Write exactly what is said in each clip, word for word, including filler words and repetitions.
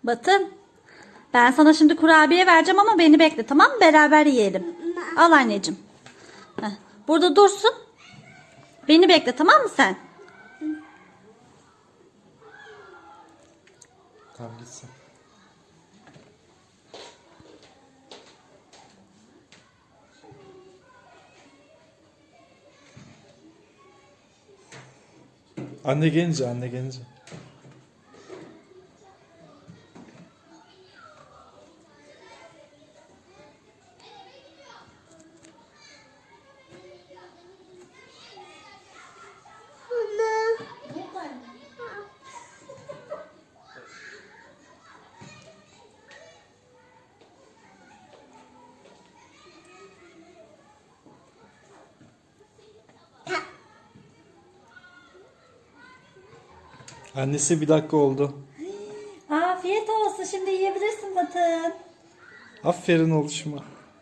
Batın. Ben sana şimdi kurabiye vereceğim ama beni bekle, tamam mı? Beraber yiyelim. Al anneciğim. Heh, burada dursun. Beni bekle, tamam mı sen? Tamam gitsin. Anne gelince, anne gelince. Annesi bir dakika oldu. Afiyet olsun. Şimdi yiyebilirsin Batın. Aferin oluşuma.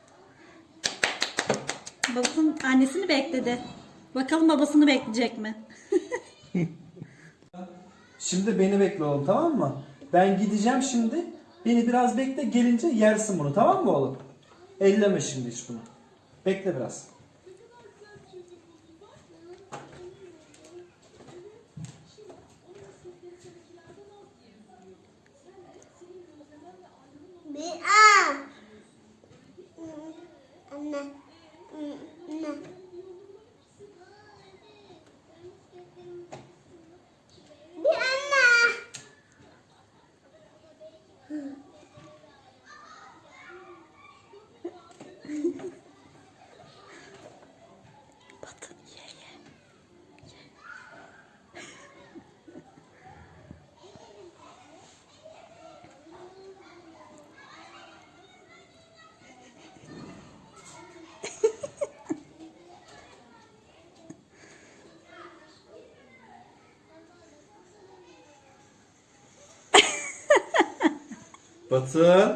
Batın annesini bekledi. Bakalım babasını bekleyecek mi? Şimdi beni bekle oğlum, tamam mı? Ben gideceğim şimdi. Beni biraz bekle, gelince yersin bunu, tamam mı oğlum? Elleme şimdi hiç bunu. Bekle biraz. Bir a. Anne. Anne. Bir anne. Batın ye ye. Batın.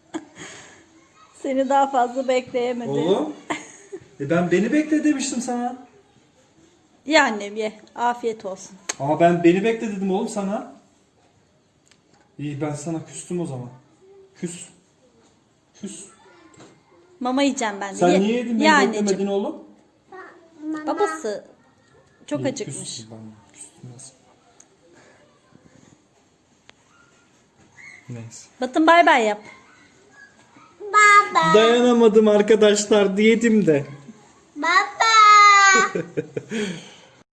Seni daha fazla bekleyemedi. Oğlum. E ben beni bekle demiştim sana. Ye annem ye. Afiyet olsun. Ama ben beni bekle dedim oğlum sana. İyi, ben sana küstüm o zaman. Küs. Küs. Mama yiyeceğim ben de. Sen Ye- niye yedin ye beni anneciğim. beklemedin oğlum? Mama. Babası çok İyi, acıkmış. küstüm ben. Küstüm nasıl? Neyse. Batın bay bay yap. Baba. Dayanamadım arkadaşlar, diyetim de. Baba.